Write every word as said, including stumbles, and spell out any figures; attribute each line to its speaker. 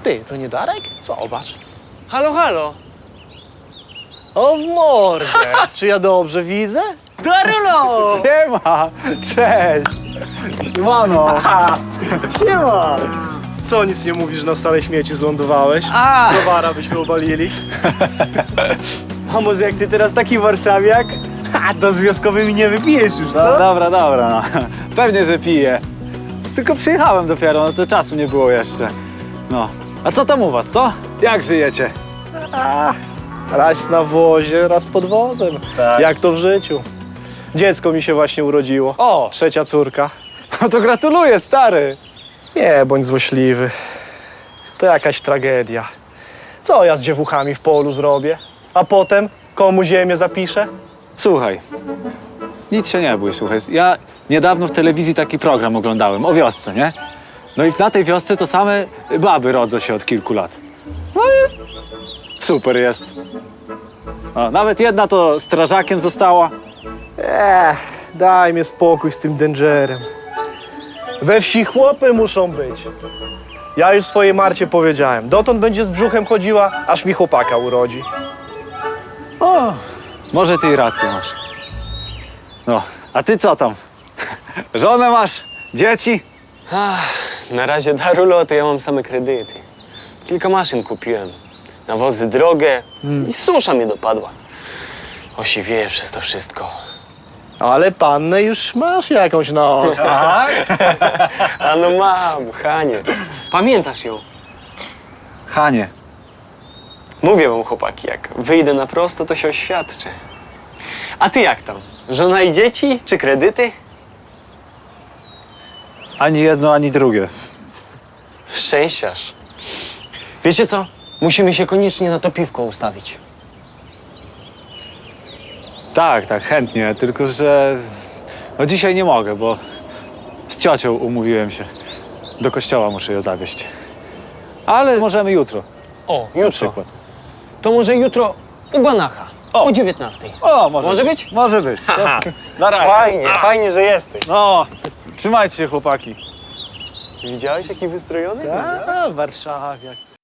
Speaker 1: Ty, to nie Darek? Zobacz.
Speaker 2: Halo, halo.
Speaker 1: O, w mordę. Czy ja dobrze widzę?
Speaker 2: Darulo!
Speaker 3: Siema! Cześć! Mano! Siema!
Speaker 1: Co, nic nie mówisz, że na stare śmieci zlądowałeś?
Speaker 3: A!
Speaker 1: Browara byśmy obalili.
Speaker 3: A może jak ty teraz taki warszawiak?
Speaker 1: A, to z wioskowymi nie wypijesz już,
Speaker 3: No,
Speaker 1: co?
Speaker 3: dobra, dobra, no. Pewnie, że piję. Tylko przyjechałem dopiero, no to czasu nie było jeszcze. No. A co tam u was, co? Jak żyjecie?
Speaker 1: A, raz na wozie, raz pod wozem.
Speaker 3: Tak.
Speaker 1: Jak to w życiu. Dziecko mi się właśnie urodziło.
Speaker 3: O!
Speaker 1: Trzecia córka.
Speaker 3: No to gratuluję, stary!
Speaker 1: Nie bądź złośliwy. To jakaś tragedia. Co ja z dziewuchami w polu zrobię? A potem komu ziemię zapiszę?
Speaker 3: Słuchaj, nic się nie bój, słuchaj. Ja niedawno w telewizji taki program oglądałem o wiosce, nie? No i na tej wiosce to same baby rodzą się od kilku lat. No i super jest. O, nawet jedna to strażakiem została.
Speaker 1: Ech, daj mi spokój z tym Dangerem. We wsi chłopy muszą być. Ja już swojej Marcie powiedziałem. Dotąd będzie z brzuchem chodziła, aż mi chłopaka urodzi.
Speaker 3: O, może ty i rację masz. No, a ty co tam? Żonę masz? Dzieci?
Speaker 2: Ach, na razie, Darulo, to ja mam same kredyty. Kilka maszyn kupiłem. Nawozy drogie i susza mnie dopadła. Osiwieję przez to wszystko.
Speaker 1: Ale pannę już masz jakąś na oku.
Speaker 2: A no mam, Hanie. Pamiętasz ją?
Speaker 3: Hanie.
Speaker 2: Mówię wam, chłopaki, jak wyjdę na prosto, to się oświadczę. A ty jak tam? Żona i dzieci, czy kredyty?
Speaker 3: Ani jedno, ani drugie.
Speaker 2: Szczęściarz. Wiecie co? Musimy się koniecznie na to piwko ustawić.
Speaker 3: Tak, tak, chętnie, tylko że no dzisiaj nie mogę, bo z ciocią umówiłem się. Do kościoła muszę ją zawieźć. Ale możemy jutro,
Speaker 2: O,
Speaker 3: na
Speaker 2: jutro.
Speaker 3: przykład.
Speaker 2: To może jutro u Banacha.
Speaker 3: O.
Speaker 2: O dziewiętnastej.
Speaker 3: O, może,
Speaker 2: Może być?
Speaker 3: Może być.
Speaker 2: Haha.
Speaker 3: Na razie.
Speaker 2: Fajnie, fajnie, że jesteś.
Speaker 3: No, trzymajcie się, chłopaki.
Speaker 2: Widziałeś, jaki wystrojony?
Speaker 1: A, warszawiak.